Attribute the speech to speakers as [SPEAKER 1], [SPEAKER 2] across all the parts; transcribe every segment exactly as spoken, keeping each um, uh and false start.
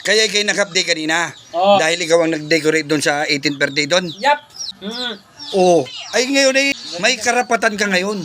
[SPEAKER 1] Kaya kayo nag-update kanina.
[SPEAKER 2] Oh.
[SPEAKER 1] Dahil ikaw ang nag-decorate doon sa eighteenth birthday doon.
[SPEAKER 2] Yap. Mm.
[SPEAKER 1] Oo. Ay ngayon ay may karapatan ka ngayon.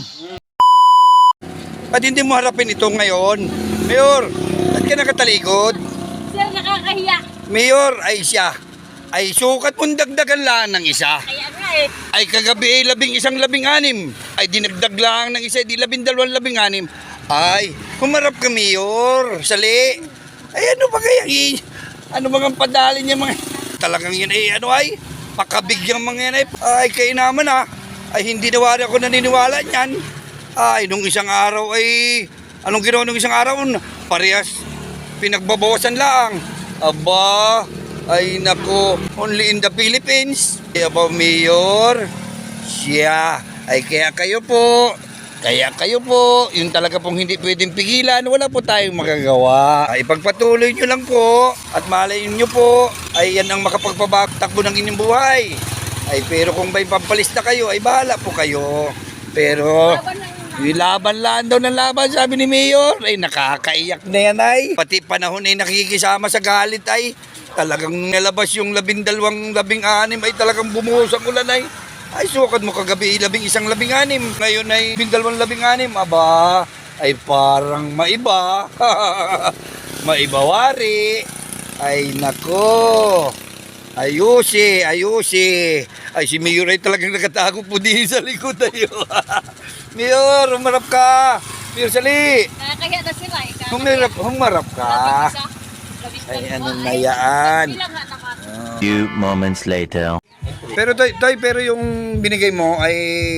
[SPEAKER 1] At hindi mo harapin ito ngayon. Mayor, ba't ka nakatalikod?
[SPEAKER 3] Sir, nakakahiya.
[SPEAKER 1] Mayor, ay siya. Ay sukat mong dagdagan lang ng isa.
[SPEAKER 3] Kaya nga eh.
[SPEAKER 1] Ay kagabi ay labing isang labing anim. Ay dinagdag lang ng isa, di labing dalawang labing anim. Ay, humarap ka, Mayor. Sali. Ay ano ba kaya? i- Ano bang padali niya mga... Talagang yan ay ano ay... Pakabigyang mga yan ay... Ay kayo naman ah. Ay hindi nawari ako naniniwala niyan. Ay nung isang araw ay... Anong ginawa nung isang araw? Parehas. Pinagbabawasan lang. Aba... Ay nako, only in the Philippines. Kaya po, Mayor, siya. Ay kaya kayo po, kaya kayo po, yung talaga pong hindi pwedeng pigilan, wala po tayong magagawa. Ay pagpatuloy nyo lang po, at malayin nyo po, ay yan ang makapagpabaktakbo ng inyong buhay. Ay pero kung may pampalista kayo, ay bahala po kayo. Pero... Yung laban lang daw ng laban, sabi ni Mayor. Ay, nakakaiyak na yan ay. Pati panahon ay nakikisama sa galit ay. Talagang nalabas yung labindalawang labing anim ay talagang bumuhos ang ulan ay. Ay, sukat mo kagabi labing isang labing anim. Ngayon ay labindalawang labing anim. Aba, ay parang maiba. Maiba wari. Ay, nako. Ayusi, ayusi. Ay, si Mayor ay talagang nakatago po din sa likod tayo. Mayor, humarap ka. Mayor, sali.
[SPEAKER 3] Nakakahiya na sila eh.
[SPEAKER 1] Humarap, humarap ka. Ay, ano na yan.
[SPEAKER 4] Few moments later.
[SPEAKER 1] Pero Toy, Toy, pero yung binigay mo ay...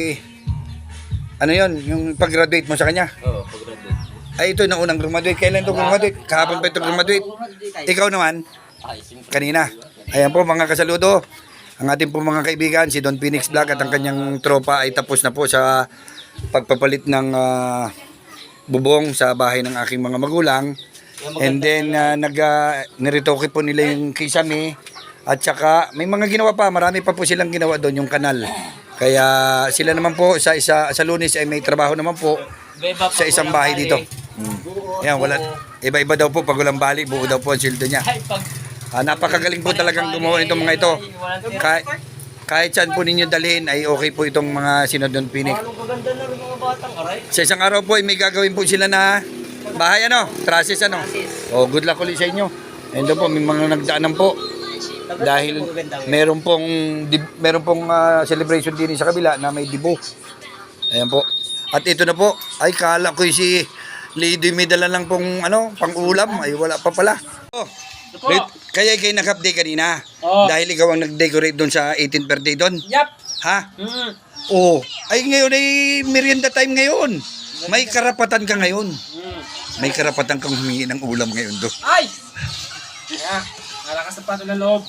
[SPEAKER 1] Ano yon, yung pag-graduate mo sa kanya?
[SPEAKER 2] Oo, pag-graduate.
[SPEAKER 1] Ay, ito na unang graduate. Kailan ito graduate? Kahapon pa ito graduate. Ikaw naman, kanina. Ayan po mga kasaludo. Ang ating po mga kaibigan, si Don Phoenix Vlog at ang kanyang tropa ay tapos na po sa pagpapalit ng uh, bubong sa bahay ng aking mga magulang. And then, uh, nag, uh, niritoke po nila yung kisame. At saka, may mga ginawa pa. Marami pa po silang ginawa doon, yung kanal. Kaya sila naman po sa isa sa Lunes ay may trabaho naman po sa isang bahay dito. Hmm. Yan, wala. Iba-iba daw po pag walang bali, buo daw po ang sildo niya. Ah, napakagaling po talagang gumawa nitong mga ito. Kahit, kahit saan po ninyo dalhin ay okay po itong mga sinodon pinik. Sa isang araw po ay may gagawin po sila na bahay ano, trusses ano. Oh, good luck ulit sa inyo. Ayun daw po, may mga nagdaanan po. Dahil meron pong meron pong uh, celebration din sa kabila na may dibo. Ayan po. At ito na po, ay kala ko si Lady may dala lang pong ano, pang-ulam, ay wala pa pala. Oh. Wait, kaya kayo nag-update kanina.
[SPEAKER 2] Oh.
[SPEAKER 1] Dahil ikaw ang nag-decorate doon sa eighteenth birthday doon.
[SPEAKER 2] Yap.
[SPEAKER 1] Ha?
[SPEAKER 2] Mm.
[SPEAKER 1] Oo. Ay ngayon ay merienda time ngayon. May karapatan ka ngayon.
[SPEAKER 2] Mm.
[SPEAKER 1] May karapatan kang humingi ng ulam ngayon do.
[SPEAKER 2] Ay! Kaya, nalakas sa pato ng loob.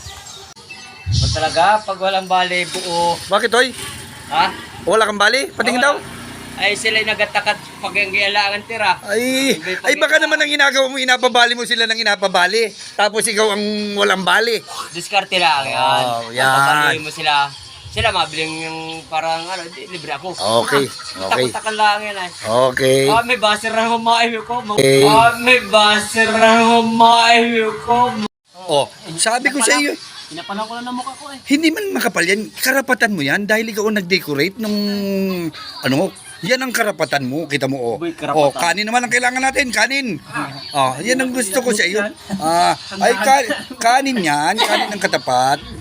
[SPEAKER 2] Ba't talaga, pag walang bali, buo.
[SPEAKER 1] Bakit oy?
[SPEAKER 2] Ha?
[SPEAKER 1] Wala kang bali? Patingin daw.
[SPEAKER 2] Ay, sila'y nagatakat pag ang kailangan tira.
[SPEAKER 1] Ay, ay baka naman ang ginagawa mo, inapabali mo sila ng inapabali. Tapos ikaw ang walang bali.
[SPEAKER 2] Diskarte lang yan.
[SPEAKER 1] Oh, yan.
[SPEAKER 2] Papabalihin mo sila. Sila mabiling yung parang ano, di, libre ako.
[SPEAKER 1] Okay, okay.
[SPEAKER 2] Takot-takan lang yan ay.
[SPEAKER 1] Okay.
[SPEAKER 2] Ah, may baser na humaim ko.
[SPEAKER 1] Okay.
[SPEAKER 2] Ah, may baser na humaim ko.
[SPEAKER 1] Oh, sabi ko sa iyo,
[SPEAKER 2] Pinapalang ko lang ng mukha ko eh.
[SPEAKER 1] hindi man makapal yan. Karapatan mo yan dahil ikaw ang nag-decorate nung ano, yan ang karapatan mo, kita mo oh.
[SPEAKER 2] Boy, karapatan.
[SPEAKER 1] Oh, kanin naman ang kailangan natin, kanin. Oh, yan ang gusto ko sa iyo. Ah, ay ka, kanin yan, kanin ng katapat.